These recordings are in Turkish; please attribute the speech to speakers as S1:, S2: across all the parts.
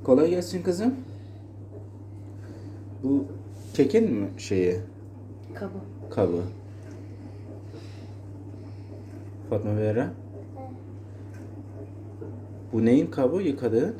S1: Kolay gelsin kızım. Bu kekin mi şeyi?
S2: Kabı.
S1: Kabı. Fatma Vera. Bu neyin kabı yıkadığın?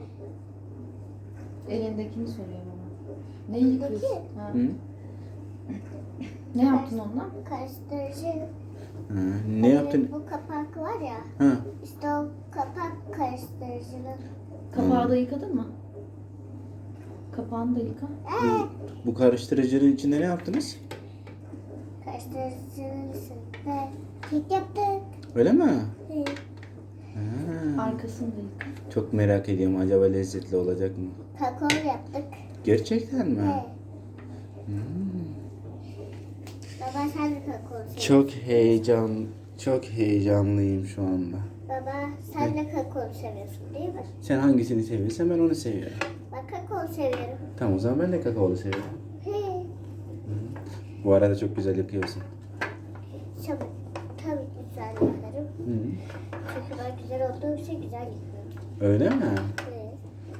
S2: Elindekini soruyor bana. Ne yıkıyorsun? Ha.
S1: Hı?
S2: Ne yaptın onunla?
S3: Karıştırıcı.
S1: Ha, ne yaptın?
S3: Bu kapak var ya.
S1: Ha,
S3: İşte o kapak karıştırıcının.
S2: Kapağı da yıkadın mı? Kapağını da yıka.
S1: bu karıştırıcının içinde ne yaptınız?
S3: Karıştırıcının üstünde kek yaptık.
S1: Öyle mi?
S3: Hı.
S1: Ha,
S2: Arkasını da yıka.
S1: çok merak ediyorum. Acaba lezzetli olacak mı?
S3: Kakao yaptık.
S1: Gerçekten mi?
S3: He.
S1: Hmm.
S3: Baba sen de kakao seviyorsun.
S1: Çok heyecanlıyım şu anda.
S3: Baba sen de kakao seviyorsun değil mi?
S1: Sen hangisini seviyorsan ben onu seviyorum.
S3: Ben kakao seviyorum.
S1: Tamam, o zaman ben de kakaolu seviyorum.
S3: He.
S1: Bu arada çok güzel yapıyorsun.
S3: Tabii güzel yaparım.
S1: Hı.
S3: Çünkü ben güzel olduğu için güzel yapıyorum.
S1: Öyle mi?
S3: He.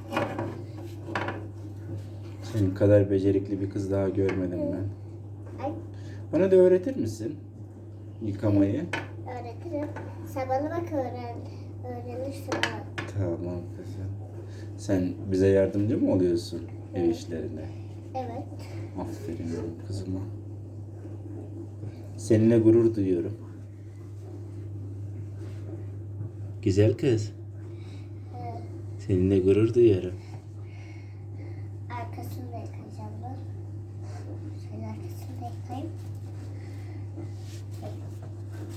S1: Senin kadar becerikli bir kız daha görmedim ben.
S3: Ay
S1: Bana da öğretir misin yıkamayı?
S3: öğretirim. Sen bana bak öğrenirsin ha.
S1: Tamam kızım. Sen bize yardımcı mı oluyorsun ev işlerine?
S3: Evet.
S1: Aferin benim kızıma. Seninle gurur duyuyorum. Güzel kız.
S3: Evet.
S1: Seninle gurur duyuyorum.